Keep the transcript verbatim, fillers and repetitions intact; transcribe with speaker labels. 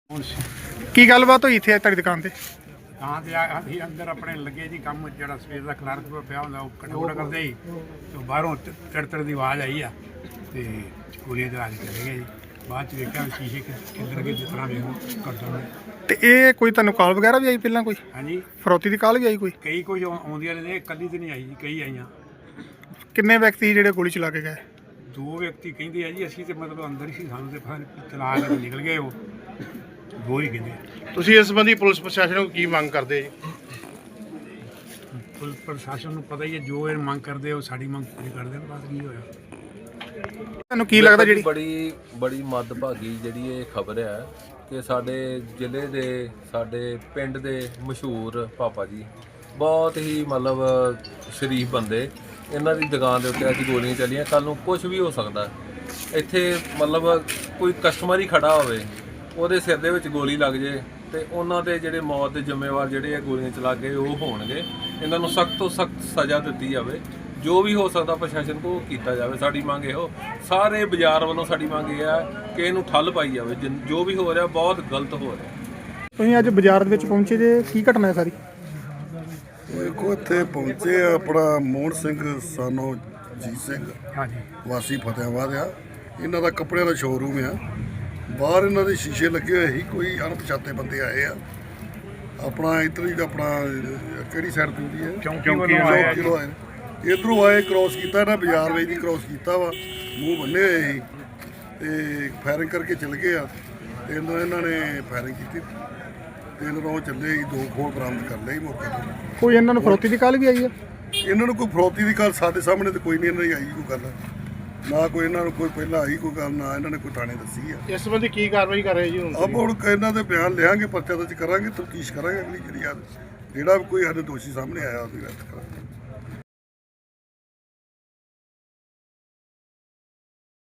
Speaker 1: ਕੀ ਗੱਲਬਾਤ ਹੋਈ ਇੱਥੇ ਤੁਹਾਡੀ ਦੁਕਾਨ ਤੇ?
Speaker 2: ਤਾਂ ਤੇ ਆ- ਅਸੀਂ ਅੰਦਰ ਆਪਣੇ ਲੱਗੇ ਜੀ ਕੰਮ, ਜਿਹੜਾ ਸਵੇਰ ਦਾ ਕਲਰਕ ਪਿਆ ਹੁੰਦਾ ਉਹ ਕਟੋੜਾ ਕਰਦੇ ਸੀ ਤੇ ਬਾਹਰੋਂ ਤੜਤੜ ਦੀ ਆਵਾਜ਼ ਆਈ ਆ ਤੇ ਗੋਲੀਆਂ ਚਲਾ ਕੇ ਚਲੇ ਗਏ ਜੀ। ਬਾਅਦ ਚ ਵੇਖਿਆ ਵੀ ਸ਼ੀਸ਼ੇ ਕਿ- ਕਿੱਧਰ ਗਏ, ਜਿਸ ਤਰ੍ਹਾਂ ਵੇਖੋ ਕਰਦਾ ਮੈਂ।
Speaker 1: ਤੇ ਇਹ ਕੋਈ ਤੁਹਾਨੂੰ ਕਾਲ ਵਗੈਰਾ ਵੀ ਆਈ ਪਹਿਲਾਂ, ਕੋਈ
Speaker 2: ਹਾਂਜੀ,
Speaker 1: ਫਰੋਤੀ ਦੀ ਕਾਲ ਵੀ ਆਈ ਕੋਈ?
Speaker 2: ਕਈ ਕੁਝ ਆਉਂਦੀਆਂ ਨੇ, ਇਕੱਲੀ ਤੇ ਨਹੀਂ ਆਈ ਜੀ, ਕਈ ਆਈਆਂ।
Speaker 1: ਕਿੰਨੇ ਵਿਅਕਤੀ ਸੀ ਜਿਹੜੇ ਗੋਲੀ ਚਲਾ ਕੇ ਗਏ?
Speaker 2: ਦੋ ਵਿਅਕਤੀ ਕਹਿੰਦੇ ਆ ਜੀ, ਅਸੀਂ ਤੇ ਮਤਲਬ ਅੰਦਰ ਹੀ ਸੀ, ਸਾਨੂੰ ਤੇ ਫਿਰ ਚਲਾ ਕੇ ਨਿਕਲ ਗਏ ਉਹ, ਦੋ ਹੀ ਕਹਿੰਦੇ।
Speaker 3: ਤੁਸੀਂ ਇਸ ਸੰਬੰਧੀ ਪੁਲਿਸ ਪ੍ਰਸ਼ਾਸਨ ਨੂੰ ਕੀ ਮੰਗ ਕਰਦੇ ਜੀ?
Speaker 2: ਪੁਲਿਸ ਪ੍ਰਸ਼ਾਸਨ ਨੂੰ ਪਤਾ ਹੀ ਹੈ, ਜੋ ਇਹ ਮੰਗ ਕਰਦੇ ਉਹ ਸਾਡੀ ਮੰਗ ਪੂਰੀ ਕਰਦੇ ਨੇ, ਬਸ ਕੀ ਹੋਇਆ।
Speaker 1: ਤੁਹਾਨੂੰ ਕੀ ਲੱਗਦਾ ਜਿਹੜੀ
Speaker 4: ਬੜੀ ਬੜੀ ਮੱਦਭਾਗੀ ਜਿਹੜੀ ਇਹ ਖਬਰ ਹੈ ਕਿ ਸਾਡੇ ਜ਼ਿਲ੍ਹੇ ਦੇ, ਸਾਡੇ ਪਿੰਡ ਦੇ ਮਸ਼ਹੂਰ ਪਾਪਾ ਜੀ, ਬਹੁਤ ਹੀ ਮਤਲਬ ਸ਼ਰੀਫ ਬੰਦੇ, ਇਹਨਾਂ ਦੀ ਦੁਕਾਨ ਦੇ ਉੱਤੇ ਅੱਜ ਗੋਲੀਆਂ ਚੱਲੀਆਂ। ਕੱਲ ਨੂੰ ਕੁਝ ਵੀ ਹੋ ਸਕਦਾ। ਇੱਥੇ ਮਤਲਬ ਕੋਈ ਕਸਟਮਰ ਹੀ ਖੜਾ ਹੋਵੇ, ਉਹਦੇ ਸਿਰ ਦੇ ਵਿੱਚ ਗੋਲੀ ਲੱਗ ਜੇ ਤੇ ਉਹਨਾਂ ਦੇ ਜਿਹੜੇ ਮੌਤ ਦੇ ਜ਼ਿੰਮੇਵਾਰ ਜਿਹੜੇ ਇਹ ਗੋਲੀਆਂ ਚਲਾ ਕੇ ਉਹ ਹੋਣਗੇ। ਇਹਨਾਂ ਨੂੰ ਸਖਤ ਤੋਂ ਸਖਤ ਸਜ਼ਾ ਦਿੱਤੀ ਜਾਵੇ, ਜੋ ਵੀ ਹੋ ਸਕਦਾ ਪ੍ਰਸ਼ਾਸਨ ਕੋਲ ਕੀਤਾ ਜਾਵੇ। ਸਾਡੀ ਮੰਗ ਇਹੋ, ਸਾਰੇ ਬਾਜ਼ਾਰ ਵੱਲੋਂ ਸਾਡੀ ਮੰਗ ਇਹ ਹੈ ਕਿ ਇਹਨੂੰ ਠੱਲ ਪਾਈ ਜਾਵੇ। ਜਿਨ- ਜੋ ਵੀ ਹੋ ਰਿਹਾ ਬਹੁਤ ਗਲਤ ਹੋ ਰਿਹਾ।
Speaker 1: ਤੁਸੀਂ ਅੱਜ ਬਾਜ਼ਾਰ ਦੇ ਵਿੱਚ ਪਹੁੰਚੇ ਜੇ, ਕੀ ਘਟਨਾ ਹੈ ਸਾਰੀ?
Speaker 5: ਦੇਖੋ ਇੱਥੇ ਪਹੁੰਚੇ ਆ ਆਪਣਾ ਮੋਹਨ ਸਿੰਘ ਸਾਨੋ ਜੀਤ ਸਿੰਘ
Speaker 2: ਹਾਂਜੀ,
Speaker 5: ਵਾਸੀ ਫਤਿਆਬਾਦ ਆ। ਇਹਨਾਂ ਦਾ ਕੱਪੜਿਆਂ ਦਾ ਸ਼ੋਰੂਮ ਆ। ਬਾਹਰ ਇਹਨਾਂ ਦੇ ਸ਼ੀਸ਼ੇ ਲੱਗੇ ਹੋਏ ਸੀ, ਕੋਈ ਅਣਪਛਾਤੇ ਬੰਦੇ ਆਏ ਆ। ਆਪਣਾ ਇੱਧਰ ਹੀ ਆਪਣਾ ਕਿਹੜੀ ਸਾਈਡ ਤੋਂ ਹੁੰਦੀ ਹੈ,
Speaker 2: ਚੌਂਕੀ ਵੱਲੋਂ ਆਇਆ ਜੀ।
Speaker 5: ਚਲੋ ਆਏ ਇੱਧਰੋਂ ਆਏ, ਕ੍ਰੋਸ ਕੀਤਾ ਇਹਨਾਂ ਬਾਜ਼ਾਰ ਵਿੱਚ ਦੀ ਕ੍ਰੋਸ ਕੀਤਾ ਵਾ, ਮੂੰਹ ਬੰਨੇ ਹੋਏ ਸੀ ਤੇ ਫਾਇਰਿੰਗ ਕਰਕੇ ਚਲ ਗਏ ਆ। ਤੇ ਇਹਨਾਂ ਇਹਨਾਂ ਨੇ ਫਾਇਰਿੰਗ ਕੀਤੀ ਤੇ ਇਹਨਾਂ ਨੂੰ ਉਹ ਚੱਲੇ ਸੀ, ਦੋ ਖੋਲ ਬਰਾਮਦ ਕਰ ਲਏ ਮੌਕੇ ਤੋਂ।
Speaker 1: ਕੋਈ ਇਹਨਾਂ ਨੂੰ ਫਰੋਤੀ ਦੀ ਕਾਲ ਵੀ ਆਈ ਹੈ?
Speaker 5: ਇਹਨਾਂ ਨੂੰ ਕੋਈ ਫਰੋਤੀ ਦੀ ਗੱਲ ਸਾਡੇ ਸਾਹਮਣੇ ਤੇ ਕੋਈ ਨਹੀਂ ਇਹਨਾਂ ਦੀ ਆਈ ਕੋਈ ਗੱਲ, ਨਾ ਕੋਈ ਇਹਨਾਂ ਨੂੰ ਕੋਈ ਪਹਿਲਾਂ ਆਈ ਕੋਈ ਗੱਲ, ਨਾ ਇਹਨਾਂ ਨੇ ਕੋਈ ਥਾਣੇ ਦੱਸੀ ਆ।
Speaker 3: ਇਸ ਸੰਬੰਧੀ ਕੀ ਕਾਰਵਾਈ ਕਰ ਰਹੇ ਜੀ ਹੁਣ?
Speaker 5: ਆਪ ਹੁਣ ਇਹਨਾਂ ਦੇ ਬਿਆਨ ਲਿਆਂਗੇ, ਪਰਚਾ ਦਰਜ ਕਰਾਂਗੇ, ਤਫਤੀਸ਼ ਕਰਾਂਗੇ ਅਗਲੀ ਜਿਹੜੀ ਆ, ਜਿਹੜਾ ਵੀ ਕੋਈ ਸਾਡੇ ਦੋਸ਼ੀ ਸਾਹਮਣੇ ਆਇਆ ਉਹਦੀ ਅਰੈਸਟ ਕਰਾਂਗੇ।